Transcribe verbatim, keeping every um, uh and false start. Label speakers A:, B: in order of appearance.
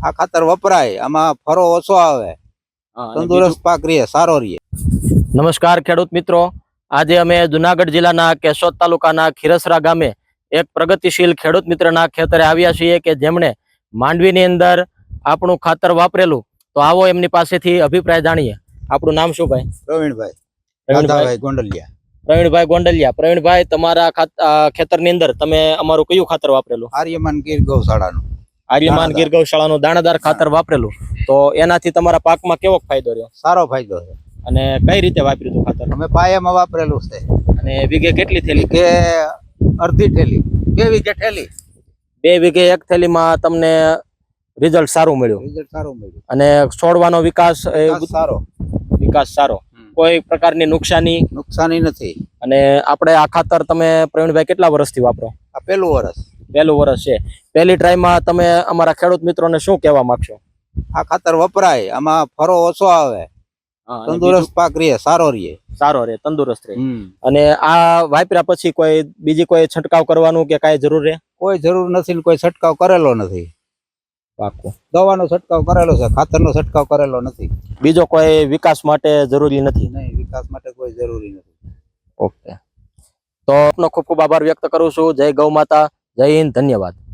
A: આ ખાતર વપરાય, આમાં ફરો ઓછો આવે, તંદુરસ્ત પાક રહે, સારો રહે.
B: નમસ્કાર ખેડૂત મિત્રો, આજે અમે જુનાગઢ જિલ્લાના કેશોદ તાલુકાના ખીરસરા ગામે એક પ્રગતિશીલ ખેડૂત મિત્રના ખેતરે આવ્યા છીએ કે જેમણે માંડવીની અંદર આપણું ખાતર વાપરેલું. તો આવો એમની પાસેથી અભિપ્રાય જાણીએ. આપણું નામ શું ભાઈ?
A: પ્રવીણભાઈ
B: પ્રવીણભાઈ
A: ગોંડલિયા.
B: પ્રવીણભાઈ ગોંડલિયા. પ્રવીણભાઈ, તમારા ખેતરની અંદર તમે અમારું કયું ખાતર વાપરેલું?
A: આર્યમાન ગીર ગૌશાળાનું.
B: આર્યમાન ગીર ગૌશાળાનું દાણાદાર ખાતર વાપરેલું. તો એનાથી તમારા પાકમાં કેવો ફાયદો રહ્યો?
A: સારો ફાયદો છે.
B: અને કઈ રીતે વાપર્યું હતું ખાતર?
A: અમે પાયામાં વાપરેલું છે.
B: અને વીઘે કેટલી થેલી?
A: કે અડધી થેલી, બે વીઘે થેલી.
B: બે વીઘે એક થેલીમાં તમને રિઝલ્ટ સારું મળ્યું?
A: રિઝલ્ટ સારું મળ્યું.
B: અને છોડવાનો વિકાસ
A: સારો
B: વિકાસ સારો, કોઈ પ્રકારની નુકસાની
A: નુકસાની નથી.
B: અને આપણે આ ખાતર તમે પ્રવીણભાઈ કેટલા વર્ષથી વાપરો?
A: આ પહેલું વર્ષ
B: પહેલું વર્ષ છે. પહેલી ટ્રાયમાં તમે અમારા ખેડૂત મિત્રોને શું કહેવા માંગશો?
A: આ ખાતર વપરાય, આમાં ફરો ઓછો આવે, તંદુરસ્ત પાક રહે, સારો રહે.
B: સારો રહે, તંદુરસ્ત રહે. અને આ વાપર્યા પછી કોઈ બીજી કોઈ છંટકાવ કરવાનું કે કાંઈ જરૂર રહે?
A: કોઈ જરૂર નથી, કોઈ છંટકાવ કરેલો નથી.
B: પાકું.
A: દવાનો છંટકાવ કરેલો છે, ખાતરનો છંટકાવ કરેલો નથી.
B: બીજો કોઈ વિકાસ માટે જરૂરી નથી?
A: નહીં, વિકાસ માટે કોઈ જરૂરી નથી.
B: ઓકે, તો આપનો ખૂબ ખૂબ આભાર વ્યક્ત કરું છું. જય ગૌ માતા, જય હિન્દ, ધન્યવાદ.